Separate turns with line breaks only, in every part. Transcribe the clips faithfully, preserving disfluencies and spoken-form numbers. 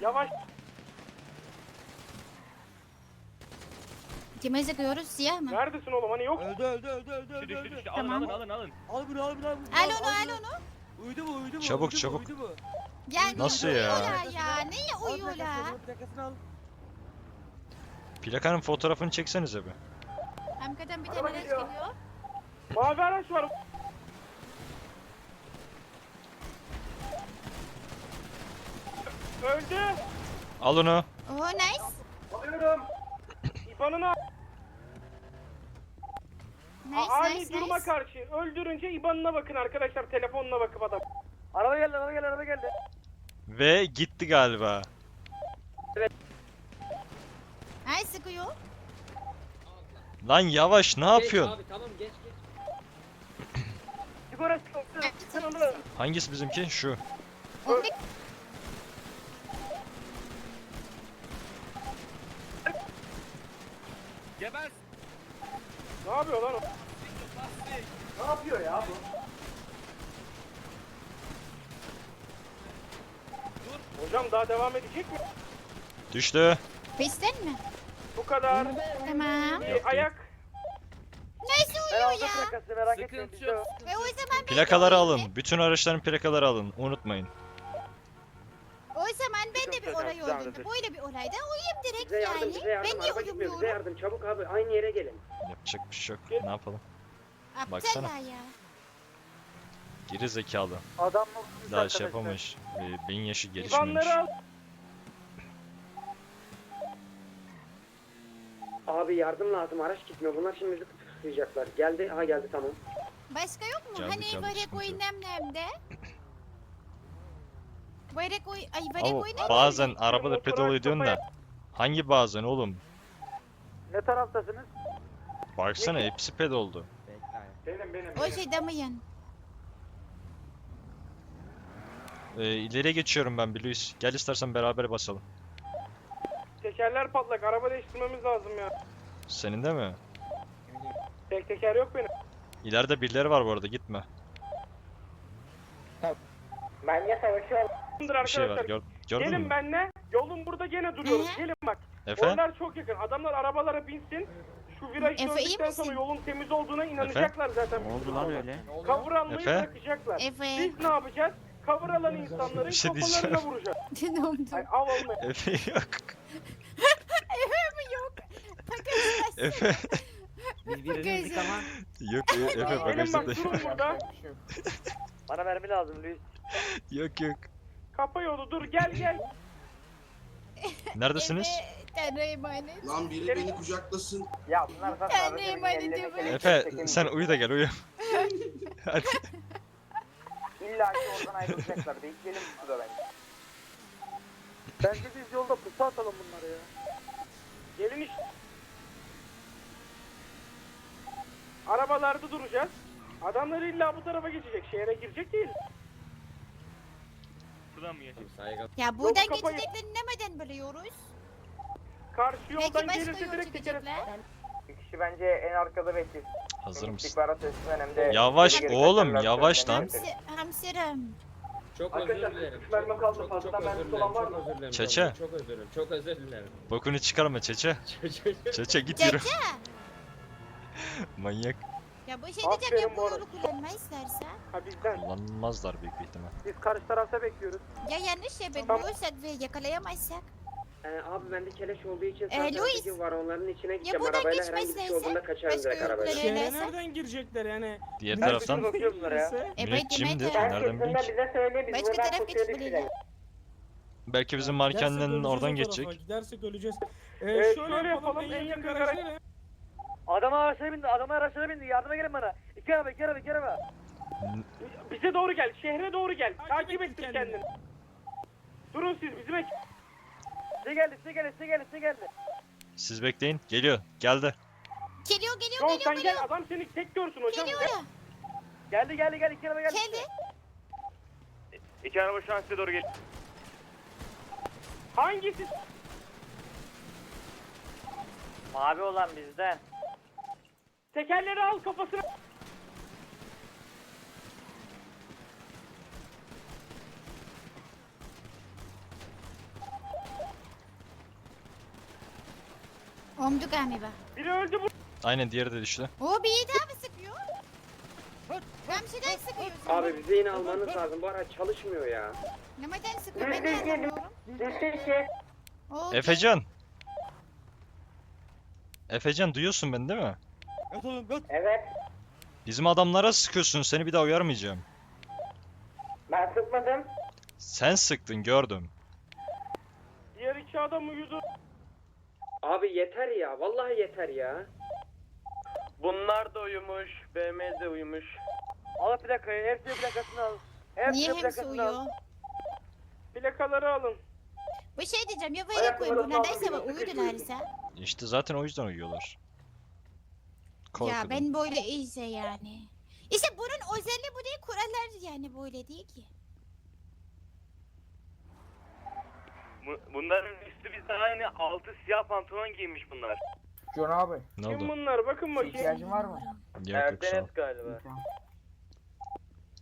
Yavaş.
Kime sıkıyoruz? Siyah mı?
Neredesin oğlum hani yok.
Öldü öldü öldü öldü öldü.
Düştü düştü
öldü.
düştü. Alın
Tamam.
alın alın alın.
Al bunu al bunu al bunu.
Al onu al onu.
Uyudu mu uyudu mu?
Çabuk,
uyudu
çabuk.
Mu, uyudu mu?
Yani
Nasıl ya?
uyuyorlar ya. Neye
Al
uyuyorlar?
plakasını, plakasını al.
Plakanın fotoğrafını çeksenize bir.
Hamkadan bir
Araba
tane araç
geliyor.
geliyor.
Mavi araç var. Öldü.
Al onu.
Oh nice.
Alıyorum. İban'ını al.
Nice
Ani
nice
duruma
nice.
karşı öldürünce İban'ına bakın arkadaşlar, telefonuna bakıp adam.
Araba geldi araba geldi araba geldi.
Ve gitti galiba.
Ay sıkıyor.
Lan yavaş ne yapıyorsun?
Geç abi tamam geç geç.
Sigara sıkıntı.
Hangisi bizimki? Şu.
O ne?
Geber.
Ne yapıyor lan o? Ne yapıyor ya bu? Hocam daha devam edecek mi?
Düştü.
Peşten mi?
Bu kadar.
Tamam.
Bir ayak.
Nasıl uyuyor ya?
merak
Sıkıntı yok.
E o zaman ben de
Plakaları
uyuyayım.
alın. Bütün araçların plakaları alın. Unutmayın.
O zaman ben de bir olay olduğunda böyle bir olayda uyuyayım direkt yani. Ben niye uyumuyorum?
yardım çabuk abi aynı yere gelin.
Yapacak bir şey yok. Ne yapalım? baksana.
Aptal ya.
Geri zekalı.
Adam mı?
Daha şey yapamamış. Ee, beyin yaşı gelişmemiş.
İbanları al.
Abi yardım lazım araç gitmiyor bunlar şimdi bizi tutuklayacaklar. Geldi ha geldi tamam.
Başka yok mu?
Geldi,
Hani
geldi,
böyle
sıkıntı yok.
koyun nemde? Böyle koy... Ay böyle
Ama
koyun
bazen arabada
Motora
pedal ediyorsun da.
kafaya-
Hangi bazen oğlum?
Ne taraftasınız?
Baksana hepsi pedaldu.
Benim benim.
O şey damayan.
Ee, ileriye geçiyorum ben Luis. Gel istersen beraber basalım.
Tekerler patlak. Araba değiştirmemiz lazım ya.
Senin de mi?
Tek teker yok benim.
İleride birileri var bu arada gitme.
Ben ya savaşıyorum.
Bir şey var gör, gördün
Gelin
mü?
benle. Yolun burada gene duruyoruz.
Hı.
Gelin bak.
Efe?
Oralar çok yakın. Adamlar arabalara binsin. Şu viraj
Efe, iyi
döndükten sonra
misin?
yolun temiz olduğuna inanacaklar zaten.
Ne oldu lan öyle?
Cover almayı
Efe?
bırakacaklar.
Efe.
Biz ne yapacağız? Cover alan insanların
Bir şey
kafalarına
diyeceğim.
vuracağız.
Ne oldu?
Ay av almayı.
Efe yok.
Efe mi yok? Paketler.
Efe.
Biz birinizdik ama.
Yok e- Efe
Gelin
bagajda
bak
da
durun burada.
Bana mermi lazım Luis.
yok yok.
Kapa yolu dur gel gel.
Neredesiniz?
Efe. Tanrı'ya emanet.
Lan biri beni kucaklasın.
Ya bunlar zaten
Tanrı'ya emanet diyor böyle.
Efe sen uyu da gel uyu. Hadi.
İlla ki oradan ayrılacaklar. Bekleyelim burada bence.
Bence biz yolda pusu atalım bunları ya.
Gelin işte. Arabalarda duracağız. Adamlar illa bu tarafa geçecek. Şehre girecek değil.
Buradan mı geçeyim? Saygı.
Ya buradan
Yok, kafayı-
geçeceklerini neden biliyoruz?
Karşı
Belki
yoldan
başka
gelirse
yol
direkt tekeriz.
çıkacaklar.
Bir kişi bence en arkada beklesin.
Hazır mısın?
İstihbarat teslim önemli.
Yavaş
Geri geri
oğlum,
kaçarlar,
yavaş lan.
söylemeyi
Hamsi, hamsirim.
Çok
Arkadaşlar,
özür dilerim.
üç mermi kaldı,
Çok,
fazladan
çok özür
mermisi
dilerim.
olan var
Çok
mı?
özür dilerim.
Çeçe.
Çok özür dilerim. Çok özür dilerim.
Bokunu çıkarma Çeçe. Çeçe git yürü. Manyak.
Ya bu şey
Aferin
diyeceğim ya bu
bu arada.
yolu kullanma istersen.
Ha bizden.
Kullanmazlar büyük bir ihtimal.
Biz karşı tarafta bekliyoruz.
Ya yanlış yapabiliyorsak ve yakalayamazsak.
Ee, abi bende keleş olduğu için
Ee,
sadece
Louis.
var onların içine gideceğim.
buradan
Arabayla herhangi bir şey
geçmezlerse
olduğunda kaçarım
başka
direkt
yol
arabayla.
kullanırlar.
Şehre
Öyleyse-
nereden girecekler yani?
Diğer
Nereden
taraftan
bakıyoruz bunlara ya.
E
Müneccimdir.
beklemedi.
Nereden bileyim ki?
bize söyle
Başka taraf geçmeliler.
Belki bizim
Gidersek
mankenlerin
öleceğiz
oradan
o tarafa,
geçecek.
Gidersek öleceğiz. Ee,
Ee,
şöyle,
şöyle
yapalım,
yapalım,
en
en
yakın
yakın
garaj
garaj-
nereye?
Adama araçlara bindi, adama araçlara bindi. Yardıma gelin bana. İki araba, iki araba, iki araba.
Bize doğru gel. Şehre doğru gel.
Takip
Takip
ettin
ettir
kendini.
kendini. Durun siz bizim ekip.
Size geldi, size geldi, size geldi, size geldi.
Siz bekleyin. Geliyor. Geldi.
Geliyor geliyor
Yol
geliyor
sen
geliyor.
gel. Adam seni tek görsün hocam.
Geliyor ya.
Geldi, geldi, geldi, iki araba geldi.
Geldi.
İki araba şu an size doğru geliyor.
Hangisi?
Mavi olan bizden.
Tekerleri al kafasına.
Omdu galiba.
Biri öldü bu.
Aynen diğeri de düştü.
O bir daha mı sıkıyor? Ben bir şeyden sıkıyorsun.
Abi bize yine almanız lazım. Bu araç çalışmıyor ya.
Neden sıkıyor? Ben de anlamıyorum. O
Efecan. Efecan duyuyorsun beni değil mi?
Evet.
Bizim adamlara sıkıyorsun. Seni bir daha uyarmayacağım.
Ben sıkmadım.
Sen sıktın gördüm.
Diğer iki adam uyudu.
Abi yeter ya. Vallahi yeter ya.
Bunlar da uyumuş. B M de uyumuş.
Al plakayı, hepsinin plakasını al.
niye
Hepsinin
hepsi
plakasını al.
uyuyor?
Plakaları alın.
Bir şey diyeceğim ya böyle koyun bunlar neyse bak uyudularsa.
İşte zaten o yüzden uyuyorlar.
Ya
Korkudan.
ben böyle iyiyse yani. İşte bunun özelliği bu değil kurallar yani böyle değil ki.
Bu- Bunların üstü bizde aynı. Altı siyah pantolon giymiş bunlar.
John abi,
Ne
Kim
oldu?
bunlar? Bakın bakayım.
ihtiyacın var mı?
Yok yok sağ ol.
galiba.
Tamam.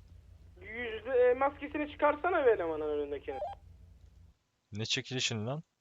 Yüzde e, maskesini çıkarsana be elemanın önündekini.
Ne çekilişin lan?